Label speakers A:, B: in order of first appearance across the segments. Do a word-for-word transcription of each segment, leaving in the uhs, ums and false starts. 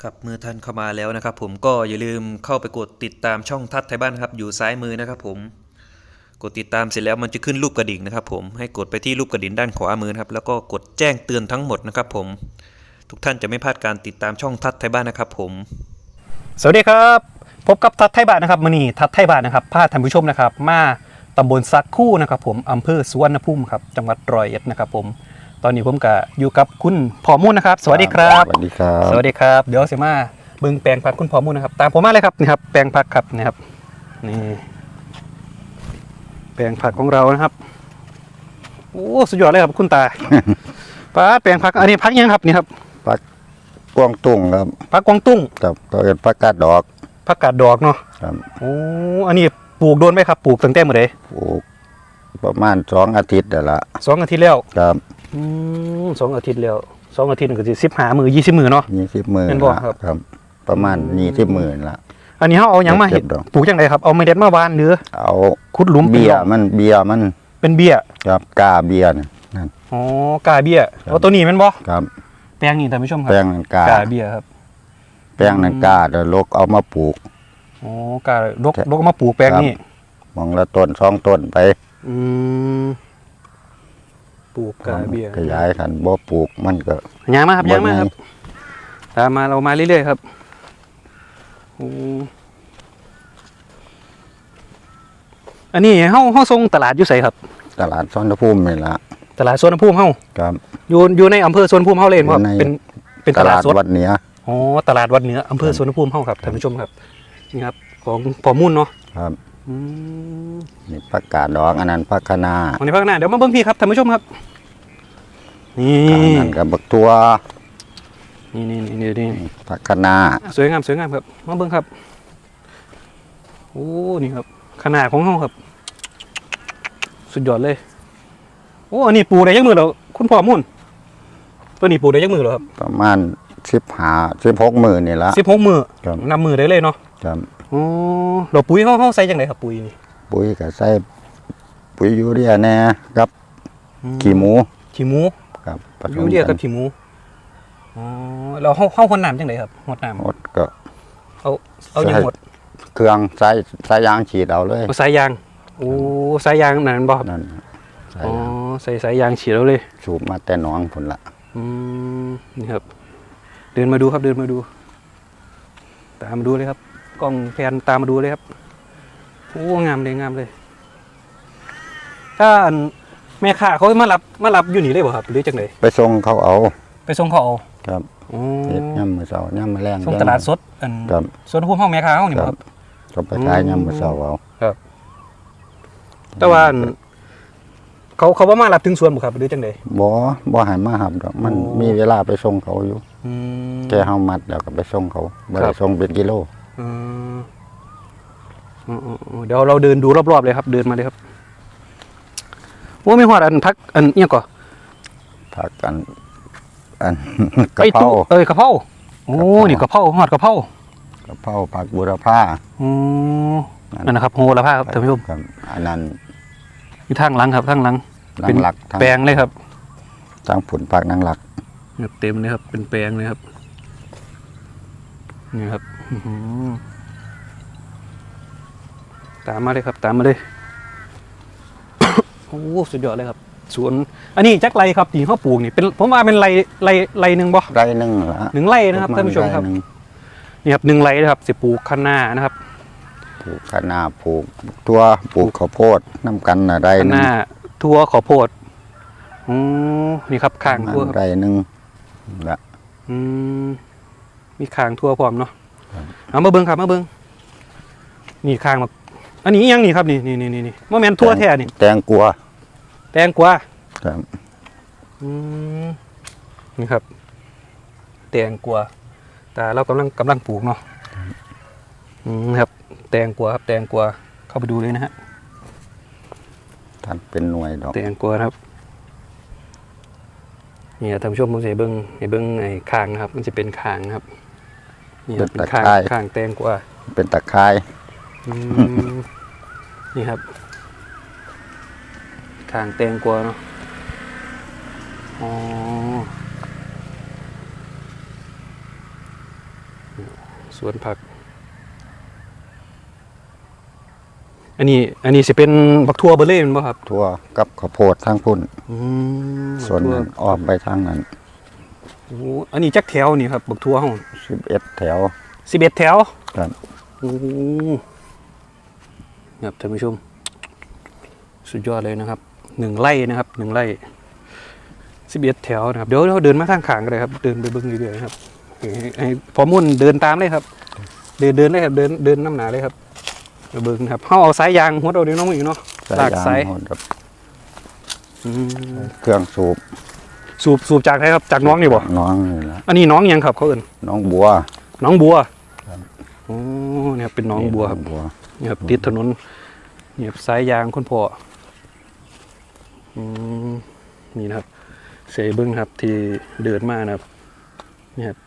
A: ครับเมื่อท่านเข้ามาแล้วนะครับผมก็อย่าลืมเข้าไปกดติดตามช่องทัดไทยบ้านนะครับอยู่ซ้ายมือนะครับผมกดติดตามเสร็จแล้วมันจะขึ้นรูปกระดิ่งนะครับผมให้กดไปที่รูปกระดิ่งด้านขวามือนะครับแล้วก็กดแจ้งเตือนทั้งหมดนะครับผมทุกท่านจะไม่พลาดการติดตามช่องทัดไทยบ้านนะครับผม
B: สวัสดีครับพบกับทัดไทยบ้านนะครับมื้อนี้ทัดไทยบ้านนะครับพาท่านผู้ชมนะครับมาตำบลสักคู่นะครับผมอำเภอสุวรรณภูมิครับจังหวัดร้อยเอ็ดนะครับผมตอนนี้ผมก็อยู่กับคุณพ่อมุ่นนะครับสวัสดีครับ
C: สวัสดีครับ
B: สวัสดีครับเดี๋ยวเสมาเบิ่งแปลงผักคุณพ่อมุ่นนะครับตามผมมาเลยครับนี่ครับแปลงผักครับนี่ครับนี่แปลงผักของเรานะครับโอ้สุดยอดเลยครับคุณตา ป้าแปลงผักอันนี้ผักยังครับนี่ครับ
C: ผักกวางตุ้งครับ
B: ผักกวางตุ้ง
C: ครับก็เป็นผักกาดดอก
B: ผักกาดดอกเนาะ
C: ครับ
B: โอ้อันนี้ปลูกโดนไหมครับปลูกตั้งแต่เมื่อไหร่
C: ปลูกประมาณสองอาทิตย์แล้วละ
B: สองอาทิตย์แล้ว
C: ครับ
B: อืมสองอาทิตย์แล้วสองอาทิตย์ก็สิสิบหามือยี่สิบมือเนาะ
C: ยี่สิบมือ
B: เป็นบ่ครับ
C: ครับประมาณยี่สิบมือละ
B: อันนี้เขาเอาอย่างมาเห็ดปลูกจังไดครับเอาเมล็ดมาหว่านหรือ
C: เอา
B: ขุดหลุม
C: เบี้ยมันเบี้ยมัน
B: เป็นเบี้ย
C: ครับกาเบี้ยนั่น
B: อ๋อกาเบี้ยเอาตัวนี้แม่นบ่
C: ครับ
B: แปลงนี่ท่านผู้ชมครับ
C: แปลงนันกาก
B: าเบี้ยครับ
C: แปลงนันกาแล้วลกเอามาปลูก
B: อ๋อกาลกลกมาปลูกแปลงนี่
C: มองละต้นสองต้นไป
B: อืมปลูกกาเบี้ย
C: ขยายขันบ่ปลูกมันก็
B: ยางมาครับยางมาครับตามมาเรามาเรื่อยๆครับอันนี้เฮาเฮาส่งตลาดอยู่ไสครับ
C: ตลาดสวนภูมินี่ละ
B: ตลาดสวนภูมิเฮา
C: ครับ
B: อยู่อยู่ในอำเภอสวนภูมิเฮาเลยครับเป็นเป็นตลาดสด
C: วัดเหนือ
B: อ๋อตลาดวัดเหนืออำเภอสวนภูมิเฮาครับท่านผู้ชมครับนี่ครับของพ่อมุ่นเนาะ
C: ครับนี่ผักกาดดอกอันนั้นผักคะน้า
B: อันนี้ผักคะน้าเดี๋ยวมาเบิ่งพี่ครับท่านผู้ชมครับนี่
C: อันนั้นกับบักตัว
B: นี่นี่นี่นี่
C: ผักคะน้า
B: สวยงามสวยงามครับมาเบิ่งครับโอ้นี่ครับขนาดของเฮาครับสุดยอดเลยโอ้อันนี้ปลูกได้ยักมือแล้วคุณพ่อมุ่นตัวนี้ปลูกได้ยักมือแล้วครับ
C: ประมาณสิบห้าสิบหกมือนี่ละ
B: สิบหกมือนับมือได้เลยเนาะ
C: ครับ
B: อ๋อเราปุ๋ยเฮาเฮาใส่จังไดครับปุ๋ยนี่
C: ปุ๋ยก็ใส่ปุ๋ยยูเรียแน่ครับขี้หมู
B: ขี้หมู
C: ครับ
B: ยูเรียกับขี้หมูอ๋อเราเฮาเฮาคนน้ำจังไดครับหดน้ำ
C: หดก็
B: เอาเอาอย่างหด
C: เครื่องใส่สายยางฉีดเอาเลย
B: สายยางโอ้สายยางนั่นบ่
C: นั่น
B: อ๋อใส่สายยางฉีดเอาเลย
C: สูบมาแต่หนองผลละ
B: อืมนี่ครับเดินมาดูครับเดินมาดูตามมาดูเลยครับกล้องแพนตามมาดูเลยครับโอ้งามเลยงามเลยถ้าแม่ค้าเขามารับมารับอยู่นี่เลยบ่ครับหรือจังได
C: ไปส่งเขาเอา
B: ไปส่งเขาเอา
C: ครับ
B: อ๋
C: อย่ำมือเสาย่ำมือแรง
B: ส่งตลาดสดอันสวนภูมิเฮาแม่ค้าเฮานี่ครับ
C: เขาไปขายย่ำมือเสาเอา
B: ครับแต่ว่าเขาเขาว่ามารับถึงสวนบ่ครับหรือจังได
C: บ่บ่ให้มารับดอกมันมีเวลาไปส่งเขาอยู่แค่เฮามัดแล้วก็ไปส่งเขาบ่ได้ส่งเป็นกิโล
B: อืมเดี๋ยวเราเดินดูรอบๆเลยครับเดินมาเลยครับโอ้ไม่ฮอดอันพักอันเอียงก่อ
C: พักอันอันกะเพรา
B: เอ้ยกะเพราโอ้นี่กะเพราฮอดกะเพราก
C: ะเพราผักบูรพา
B: อ๋อนั่นนะครับโหระพาครับท่านผู้ชม
C: อันนั้น
B: อยู่ทางหลังครับทางหลังเป็นแปลงเลยครับ
C: ทางผลผักนางหลัก
B: เต็มเลยครับเป็นแปลงเลยครับนี่ครับตามมาเลยครับตามมาเลยโอ้สุดยอดเลยครับสวนอันนี้จักไรครับที่เขาปลูกนี่เป็นผมว่าเป็นไรไรไรหนึ่งบ่
C: ไรหนึ่งเหรอ
B: หนึ่งไรนะครับท่านผู้ชมครับนี่ครับหนึ่งไรนะครับสิปลูกคะน้านะครับ
C: ปลูกคะน้าปลูกตัวปลูกข้าวโพดน้ำกันอะไร
B: คะน้าทั่วข้าวโพดอ๋อนี่ครับข้างทั่ว
C: ไรหนึ่งละ
B: อืมมีข้างทั่วพร้อมเนาะเอามาเบิ้งครับมาเบิ้งนี่ข้างมาอันนี้ยังนี่ครับนี่นี่นี่นี่โมเมนต์ทั่วแท้นี่
C: แตงกัว
B: แตงกวา
C: ครับ
B: อืมนี่ครับแตงกวาแต่เรากำลังกำลังปลูกเนาะอืมครับแตงกวาครับแตงกวาเข้าไปดูเลยนะฮะ
C: ท่านเป็นหน่วยดอก
B: แตงกวาครับนี่ท่านผู้ชมผมจะเบิ้งให้เบิ้งไอ้คางนะครับมันจะเป็นคางครับนี่เป็นคางคางแตงกวา
C: เป็นตะไคร้
B: นี่ครับคางแตงกวาเนาะอ๋อสวนผักอันนี้อันนี้สิเป็นบักทั่วเบอร์เล่นป่ะครับ
C: ทั่วกับข้าวโพดทางพุ่น
B: อืม
C: ส่วนนั้นออกไปทางนั้น
B: โอ้อันนี้จักแถวนี่ครับบักทั่วห้อง
C: สิบเอ็ดแถว
B: สิบเอ็ดแถว
C: ครับ
B: โอ้ครับท่านผู้ชมสุดยอดเลยนะครับหนึ่งไร่นะครับหนึ่งไร่สิบเอ็ดแถวนะครับเดี๋ยวเราเดินมาทางขางกันเลยครับเดินไปเบิ้งเรื่อยๆครับให้ให้พอมุ่นเดินตามเลยครับเดินเดินเลยครับเดินเดินน้ำหนาเลยครับไปเบิ้งครับเขาเอาสายยางหัวเราเดี๋ยวน้องอีกเนาะลากสาย
C: โหดครับ
B: อืม
C: เครื่องสูบ
B: สูบสูบจากไหนครับจากน้องนี่บ่
C: น้องนี่ละ
B: อันนี้น้องยังครับเขาเอิ้น
C: น้องบัว
B: น้องบัว
C: ครับ
B: โอ้เนี่ยครับเป็นน้องบัวครับ
C: บัว
B: นี่ครับติดถนนนี่ครับสายยางคนพ่ออืมนี่นะครับเสยเบิ้งครับที่เดินมานะครับนี่ครับ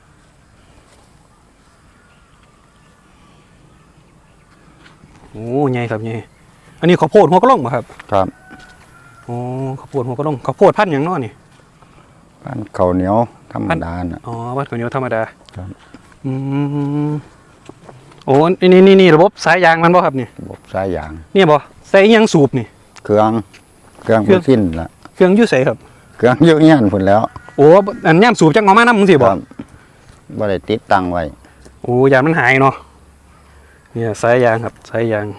B: โอ้ใหญ่ครับใหญ่อันนี้ข้าวโพดหัวกระล่องป่ะครับ
C: ครับ
B: โอ้ข้าวโพดหัวกระล่องข้าวโพดพันธุ์หยังน้อนี่
C: บ้านข้าวเหนียวธรรมดาน่ะ
B: อ๋อวัดข้าวเหนียวธรรมดา
C: ครับ
B: อืมโอ้นี่นี่นี่ระบบสายยางมันบ่ครับนี่
C: ระบบสายยาง
B: เนี่ยบ่ใส่อิหยังสูบนี่
C: เครื่องเครื่อง
B: เครื่อง
C: สิ้นละ
B: เครื่องอยุ่ใส่ครับ
C: เครื่องเยอะแยะพุ่นแล้ว
B: โอ้อันย่ำสูบจังงอมาน้ำมึงสิ
C: ค
B: บ่
C: รับบ่ได้ติดตั้งไว้
B: โอ้ยางมันหายเนาะเนี่ยสายยางครับสายยาง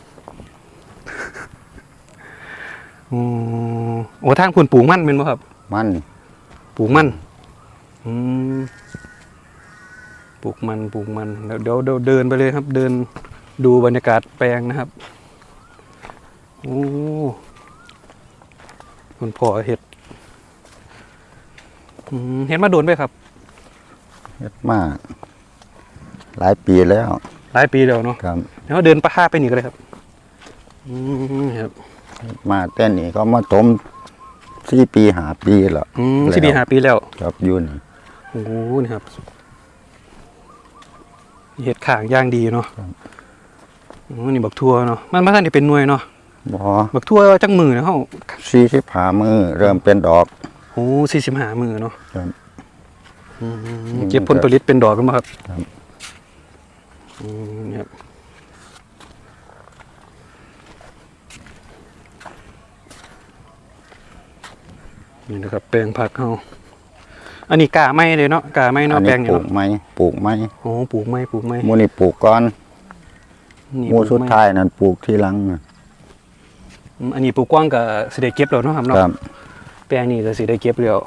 B: อืมโอ้ทางคุณปลูกมันเป็นบ่ครับ
C: มัน
B: ปลูกมันอืมปลูกมันปลูกมันเดี๋ยวเดี๋ยวเดี๋ยวเดินไปเลยครับ เดินดูบรรยากาศแปลงนะครับโอ้คุณพ่อเห็ดอืมเห็ดมาโดนไปครับ
C: เฮ็ดมาหลายปีแล้ว
B: หลายปีแล้วเนาะ
C: ครับ
B: แล้วเดินประหาไปนี่ก็เลยครับอืมครับ
C: เฮ็ดมาแต่นี่ก็มาถมสี่ปีห้าปีแล้ว
B: อืม
C: แล้ว
B: สิปีห้าปีแล้ว
C: ครับอยู่นี่
B: โอ้โหนี่ครับเห็ดข่างย่างดีเนาะอ๋อนี่บักทั่วเนาะมันมาท่านนี่เป็นหน่วยเนาะ
C: บ่
B: บักทั่วจังมือนะเขา
C: สี่สิบห้ามือเริ่มเป็นดอก
B: โอ้สี่สิบห้ามือเนาะ
C: ครับ
B: อืมเก็บผลผลิตเป็นดอกกันมาครับ
C: ครับ
B: อืมนี่ครับนี่นะครับแปลงผักเขาอันนี้กาไม้เลยเนาะกาไม้
C: อั
B: เนาะ
C: น
B: แปล
C: นี้
B: ง
C: ป
B: นี่
C: ลูก
B: เนาะ
C: ไม้ปลูกไม้
B: โอ้ปลูกไม้ปลูกไม้
C: หมูนี่ปลูกก่อน
B: นี่
C: หมู
B: ปลูก
C: สุด
B: ไ
C: ท้ายนั่นปลูกที่หลังน่ะ
B: อืมอันนี้ปลูกกว้างกับสิได้เก็บแล้วเนาะครับเนาะ
C: ครับ
B: แปลงนี้ก็สิได้เก็บแล้ว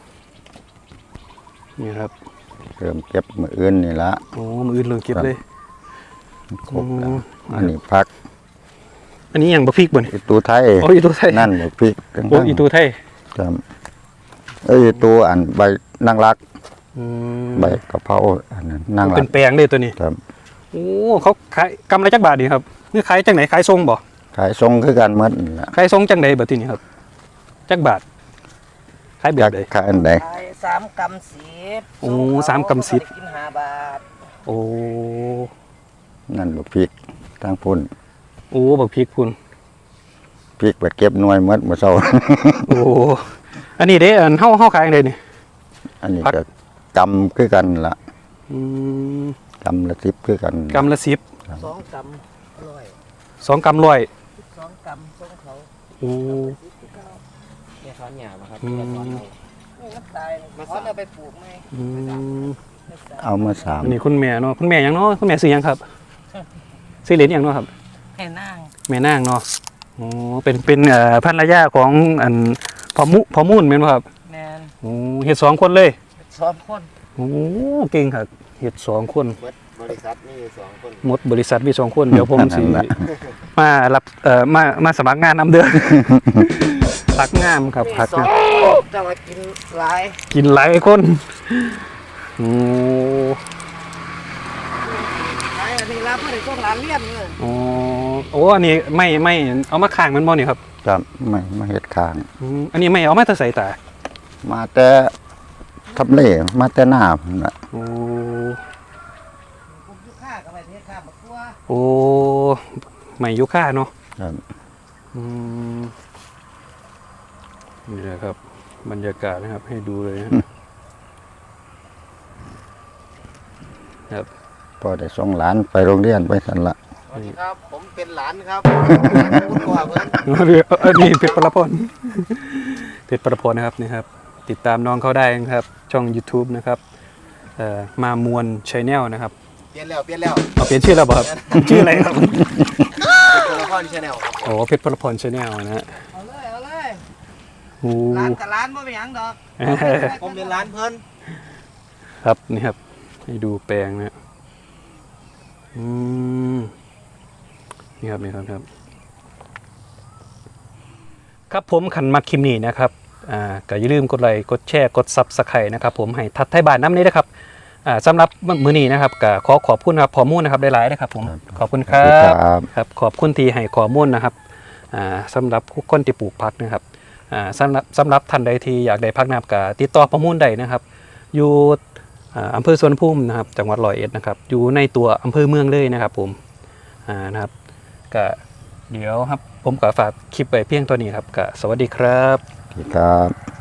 B: นี่ครับ
C: เริ่มเก็บมื้ออื่นนี่ละ
B: โอ้มืออื่นเลยเก็บเลย
C: ครบแล้ว
B: อืม
C: อันนี้พัก
B: อันนี้อย่างบะพริกบ่น
C: อีตูไทย
B: โอ้อีตัวไทย
C: นั่นบ่พริกทั้ง
B: โอ้อีตัวไทย
C: ครับเอ้ยอีตัวอันใบนางรัก
B: อืม
C: ใบกะเพราอันนั้นนางรั
B: เป็
C: ก
B: นแปลงเลยตัวนี้
C: ครับ
B: โอ้เขาขายกำไรจักบาทดีครับนี่ขายจังไหนขายทรงบ่
C: ขายทรงคือกันหมดนั่นล่ะ
B: ขายทรงจังไหนแบบนี้ครับจักบาทขายแบ
C: จั
B: บ
C: ก
B: ใด
C: ขายอันใด
D: ขายสามกำสิบ
B: โอ้สามกำสิบ
D: กินห้าบาท
B: โอ้
C: นั่นบ่พริกทางพุ่น
B: โอ้บักพริกคุณ
C: พริกไปเก็บหน่วยหมดมื้อเช้า
B: โอ้อันนี้เด้อันเฮาเฮาขายจังไดนี่
C: อันนี้
B: พัก
C: ก็กำคือกันล่ะ
B: อืม
C: กำละสิบคือกัน
B: กำละสิบ
D: สองกำอร่อย
B: สองกำร้อย
D: สองกำส่งเขา
B: โอ้
D: เนี่ยถอนหญ้ามาครับ
B: อืม
D: เนี่ยถอนเอานี่มันตายถอนเอาไปปลูกไหม
B: อืม
D: ไม่ตาย
C: เอามาสาม
B: อันนี้คุณแม่เนาะคุณแม่หยังเนาะคุณแม่ซื้อหยังครับซื้อเหรียญหยังเนาะครับ
D: ให้นั่ง
B: แม่นางเนาะโอ้เป็นเป็นเอ่อภรรยาของอันพอมุพอมุ่นแม่นบ่ครับ
D: แมน
B: โอ้เฮ็ดสองคนเลย
D: สองคน
B: โอ้เก่งครับเฮ็ดสองคน
D: บริษัทนี่สองคน
B: หมดบริษัทมีสองคนเดี๋ยวผมสิมารับเอ่อมามาสมัครงานนำเดือน พักงามครับ
D: มี
B: พัก
D: สอง
B: งาม
D: คนจะมากินหลาย
B: กินหลายคนโอ้
D: ขายอันนี้รับเพื่อส่งหลานเรียนเลย
B: โอ้โอ้อันนี้ไม่ไม่เอามาข้างมันบ่นี่ครับ
C: ครับไม่มาเฮ็ดข้าง
B: อืมอันนี้ไม่เอามาแต่ใส่ตา
C: มาแต่ทำเลมาแต่หน้าพุ่นน่ะ
B: โอ้
D: ผมยุค่ากับไปเทศค่าบักตัว
B: โอ้ไม่ยุค่าเนาะ
C: ครับ
B: อืมนี่แหละครับ บรรยากาศนะครับ ให้ดูเลยนะครับ ต
C: พอได้ส่งหลานไปโรงเรียนไปสั่นละ
D: สวัสดีครับ ผมเป็นหลานครับคุณพ่อเพิ่น
B: เออนี่เพชรประพลเพชรประพลนะครับนี่ครับติดตามน้องเขาได้นะครับช่อง YouTube นะครับเอ่อมามวลชแนลนะครับ
D: เปลี่ยนแล้วเปลี่ยนแล้ว
B: เอาเปลี่ยนชื่อแล้วบ่ครับ ชื่ออะไรครับ
D: เป็นตัวละครชาแนลครับ
B: โอ้เพชรประพลชแนลนะฮะ
D: เอาเลยเอาเลย
B: โอ้
D: ร้านกับร้านบ่เป็นหยังดอก ผมเป็นร้านเพิ่น
B: ครับนี่ครับให้ดูแปลงนะอืมนี่ครับนี่ครับครับ ครับผมขันมาคิมนี่นะครับอ่าก็อย่าลืมกดไลค์กดแชร์กดซับสไครต์นะครับผมให้ทัดไทยบ้านน้ำนี้นะครับอ่าสำหรับมื้อนี้นะครับก็ขอขอบคุณครับข้อมูลนะครับหลายๆนะครับผมขอบคุณครั
C: ค
B: บ
C: รับ
B: ครับขอบคุณที่ให้ข้อมูลนะครับอ่าสำหรับผู้คนที่ปลูกผักนะครับอ่าสำหรับสำหรับท่านใดที่อยากได้ผักนะครับก็ติดต่อประมูลได้นะครับ อยู่อ่าอำเภอสวนภูมินะครับจังหวัดร้อยเอ็ดนะครับอยู่ในตัวอำเภอเมืองเลยนะครับผมอ่านะครับก็เดี๋ยวครับผมก็ฝากคลิปไว้เพียงตัวนี้ครับก็สวัสดีครับ
C: ครับ